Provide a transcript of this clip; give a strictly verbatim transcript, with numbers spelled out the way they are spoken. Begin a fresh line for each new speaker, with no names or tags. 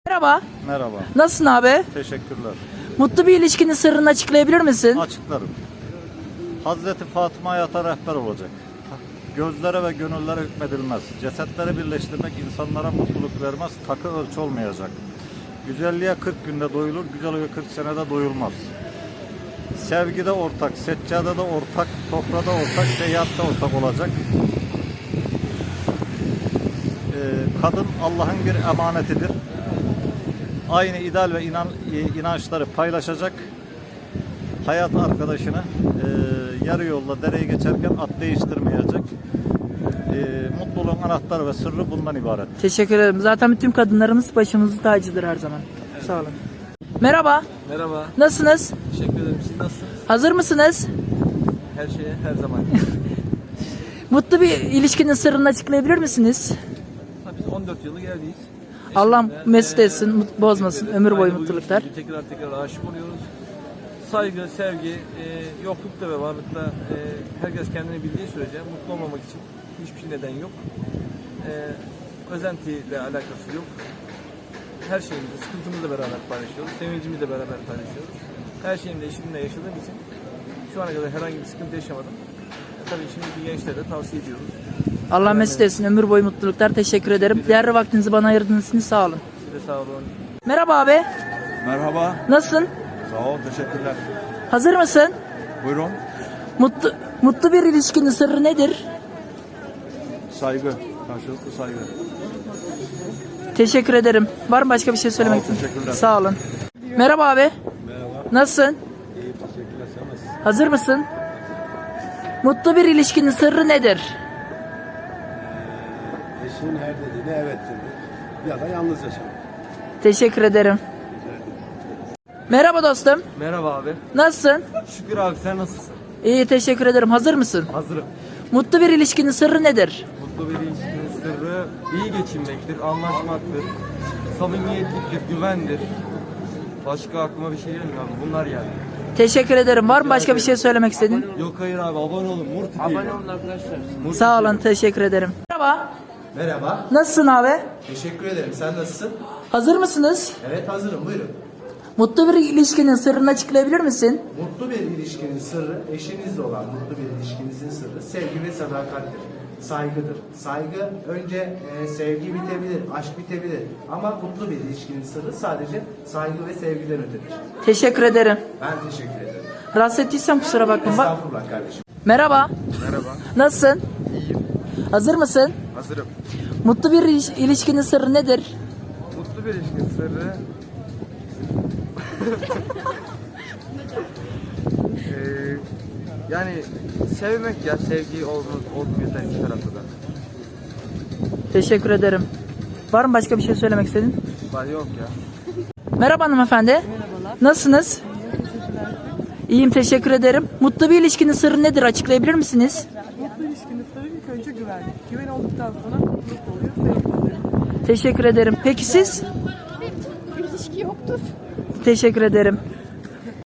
Merhaba.
Merhaba.
Nasılsın abi?
Teşekkürler.
Mutlu bir ilişkinin sırrını açıklayabilir misin?
Açıklarım. Hazreti Fatıma hayata rehber olacak. Gözlere ve gönüllere hükmedilmez. Cesetleri birleştirmek insanlara mutluluk vermez. Takı ölçü olmayacak. Güzelliğe kırk günde doyulur, güzelliğe kırk senede doyulmaz. Sevgide ortak, seccadede ortak, sofrada ortak, seyahatte ortak olacak. Ee, kadın Allah'ın bir emanetidir. Aynı ideal ve inan, inançları paylaşacak. Hayat arkadaşını e, yarı yolda dereyi geçerken at değiştirmeyecek. E, mutluluğun anahtarı ve sırrı bundan ibaret.
Teşekkür ederim. Zaten bütün kadınlarımız başımızın tacıdır her zaman. Evet. Sağ olun. Merhaba.
Merhaba.
Nasılsınız?
Teşekkür ederim. Siz nasılsınız?
Hazır mısınız?
Her şeye her zaman.
Mutlu bir ilişkinin sırrını açıklayabilir misiniz?
Tabii biz on dört yılı geldiyiz.
Allah
Eşimle,
mesut
eee,
etsin, mut- bozmasın,
teşekkür
ömür
ederim.
boyu
Aynı bu
mutluluklar.
ilişkiye Tekrar tekrar aşık oluyoruz. Saygı, sevgi, e, yoklukta ve varlıkta e, herkes kendini bildiği sürece mutlu olmamak için hiçbir neden yok. E, özentiyle alakası yok. Her şeyimizi, sıkıntımızla beraber paylaşıyoruz. Sevincimizle beraber paylaşıyoruz. Her şeyimde eşimle yaşadığım için şu ana kadar herhangi bir sıkıntı yaşamadım. E, tabii şimdiki gençlere de tavsiye ediyoruz.
Allah mesut etsin, ömür boyu mutluluklar. Teşekkür ederim. Değerli vaktinizi bana ayırdığınız için sağ olun.
Size sağ olun.
Merhaba abi.
Merhaba.
Nasılsın?
Sağ ol, teşekkürler.
Hazır mısın?
Buyurun.
Mutlu mutlu bir ilişkinin sırrı nedir?
Saygı. Karşılıklı saygı.
Teşekkür ederim. Var mı başka bir şey söylemek
Sağ ol,
için?
teşekkürler.
Sağ olun. Merhaba abi.
Merhaba.
Nasılsın?
İyi, teşekkürler. Sen nasılsın?
Hazır mısın? Mutlu bir ilişkinin sırrı nedir?
Eşinin her dediğine evet demek. Ya da yalnız yaşamak.
Teşekkür ederim. Merhaba dostum.
Merhaba abi.
Nasılsın?
Şükür abi, sen nasılsın?
İyi, teşekkür ederim. Hazır mısın?
Hazırım.
Mutlu bir ilişkinin sırrı nedir?
Mutlu bir ilişkinin sırrı iyi geçinmektir, anlaşmaktır, samimiyetliktir, güvendir. Başka aklıma bir şey gelmiyor abi. Bunlar yani.
Teşekkür ederim. Var mı başka bir şey söylemek istediğin?
Yok hayır abi, abone olun. Murti Abone olun arkadaşlar.
Sağ olun, teşekkür ederim. Merhaba.
Merhaba,
Nasılsın abi?
teşekkür ederim. Sen nasılsın?
Hazır mısınız?
Evet, hazırım. Buyurun.
Mutlu bir ilişkinin sırrını açıklayabilir misin?
Mutlu bir ilişkinin sırrı, eşinizle olan mutlu bir ilişkinizin sırrı sevgi ve sadakattir. Saygıdır. Saygı önce e, sevgi bitebilir, aşk bitebilir. Ama mutlu bir ilişkinin sırrı sadece saygı ve sevgiden ötedir.
Teşekkür ederim.
Ben teşekkür ederim.
Rahatsız ettiysem kusura bakma. Bak-
Estağfurullah kardeşim.
Merhaba.
Merhaba.
Nasılsın?
İyiyim.
Hazır mısın?
Hazırım.
Mutlu bir iliş- ilişkinin sırrı nedir?
Mutlu bir ilişkinin sırrı... Ee, yani sevmek ya, sevgi olmuyor yeter iki tarafta da.
Teşekkür ederim. Var mı başka bir şey söylemek istediğin?
Var yok ya.
Merhaba hanımefendi. Merhabalar. Nasılsınız? İyiyim, teşekkür ederim. Mutlu bir ilişkinin sırrı nedir? Açıklayabilir misiniz?
Mutlu ilişkinin sırrı ilk önce güvenlik. Güven olduktan sonra mutluluk oluyor, sevgi oluyor.
Teşekkür ederim. Peki siz?
İlişki yoktur.
Teşekkür ederim.